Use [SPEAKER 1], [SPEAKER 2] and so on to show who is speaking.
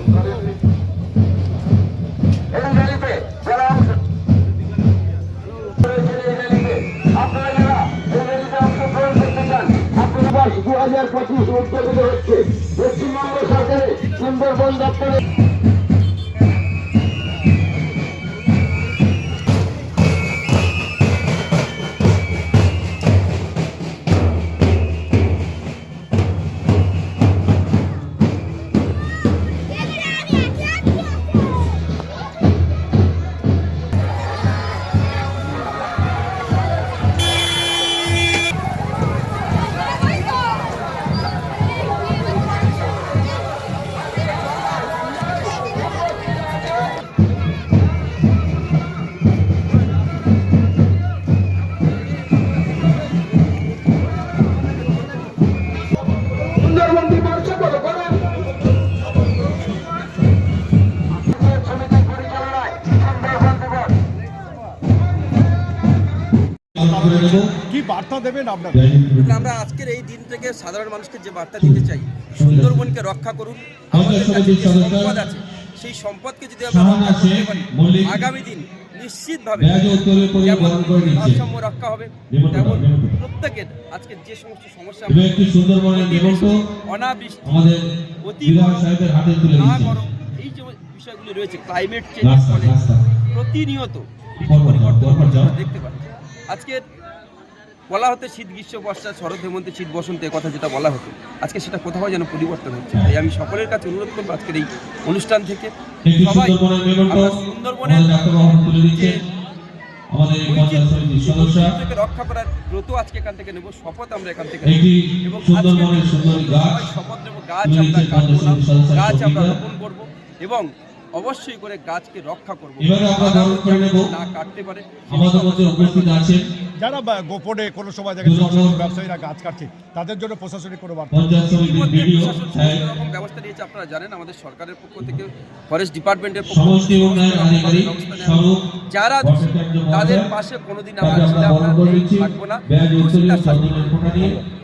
[SPEAKER 1] উদ্যোগিত হচ্ছে পশ্চিমবঙ্গ সরকারের সুন্দরবন দপ্তরে।
[SPEAKER 2] কি বার্তা দেবেন আপনারা?
[SPEAKER 3] আমরা আজকের এই দিন থেকে সাধারণ মানুষকে যে বার্তা দিতে চাই, সুন্দরবনকে রক্ষা করুন। আমাদের কাছে যে সম্পদ আছে সেই সম্পদকে যদি আমরা রক্ষা করতে পারি, আগামী দিন নিশ্চিতভাবে যেমন ভারসাম্য রক্ষা হবে, তেমন প্রত্যেকের আজকে যে সমস্ত সমস্যা অনাবৃষ্টি, অতি না গরম, এই যে বিষয়গুলি রয়েছে, ক্লাইমেট চেঞ্জের ফলে প্রতিনিয়ত ঋতু পরিবর্তন আমরা দেখতে পাচ্ছি। আজকে বলা হতো শীত, গ্রীষ্ম, বর্ষা, শরৎ, হেমন্ত, শীত, বসন্ত, এ কথা যেটা বলা হতো, আজকে সেটা কোথাও যেন পরিবর্তন হচ্ছে। তাই আমি সকলের কাছে অনুরোধ করবো আজকের এই অনুষ্ঠান থেকে সবাই আমরা সুন্দরবনের রক্ষা করার ব্রত আজকে এখান থেকে নেব, শপথ আমরা এখান থেকে নেব এবং শপথ নেব গাছ আমরা কাটবো না, গাছ আমরা রোপণ করবো এবং অবশ্যই করে গাছকে রক্ষা করবো, না কাটতে পারে।
[SPEAKER 2] যারা গোপনে কোনো সময় দেখে ব্যবসায়ীরা গাছ কাটছে, তাদের জন্য প্রশাসনিক কোনো বার্তা?
[SPEAKER 3] রকম ব্যবস্থা নিয়েছে, আপনারা জানেন আমাদের সরকারের পক্ষ থেকে, ফরেস্ট ডিপার্টমেন্টের পক্ষ থেকে যারা তাদের পাশে কোনোদিন আমরা ছিলাম না, থাকবো না।